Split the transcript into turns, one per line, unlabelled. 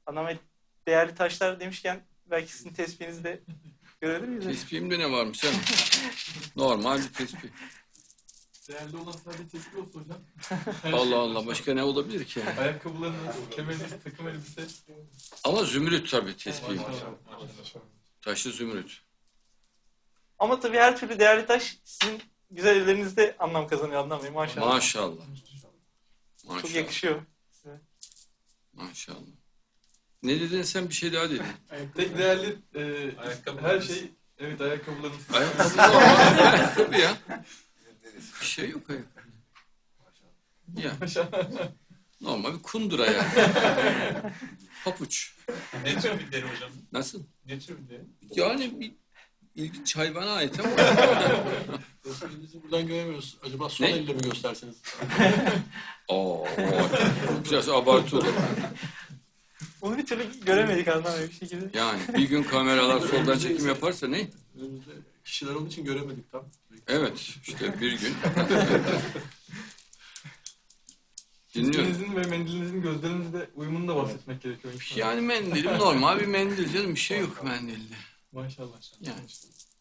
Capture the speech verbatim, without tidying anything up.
Adnan Bey, değerli taşlar demişken belki sizin tespihinizi de görebilir miyiz?
Tespihimde ne varmış canım? Normal bir tespih.
Değerli olan sadece tespih olsun hocam.
Allah Allah, başka ne olabilir ki?
Ayakkabılarınız, kemeriniz, takım elbise.
Ama zümrüt tabii tespihim.
Maşallah.
Taşlı zümrüt.
Ama tabii her türlü değerli taş sizin güzel ellerinizde anlam kazanıyor Adnan Bey, maşallah.
Maşallah. Maşallah.
Çok yakışıyor size.
Maşallah. Ne dedin sen, bir şey daha dedin.
Tek değerli e, her şey, evet ayakkabılarınız.
Ayakkabı normal. Ayakkabı ya. Bir şey yok ayakkabı. Ya. Normal bir kundura ya. Papuç.
Ne tür bir deri hocam?
Nasıl?
Ne tür bir deri?
Yani bir ilginç hayvana ait ama.
Bizi buradan göremiyoruz. Acaba sol
Ne?
elle mi gösterseniz?
Oo, biraz abartı olur.
Onu bir türlü göremedik Adnan Bey bir şekilde.
Yani bir gün kameralar soldan çekim yaparsa ne?
Önümüzde kişiler olduğu için göremedik tam.
Evet, işte bir gün. Dinliyorum.
Tespinizin ve mendilinizin gözlerinizde uyumunu da bahsetmek gerekiyor.
Yani mendilim normal bir mendil canım, bir şey yok mendilde.
Maşallah.
Yani.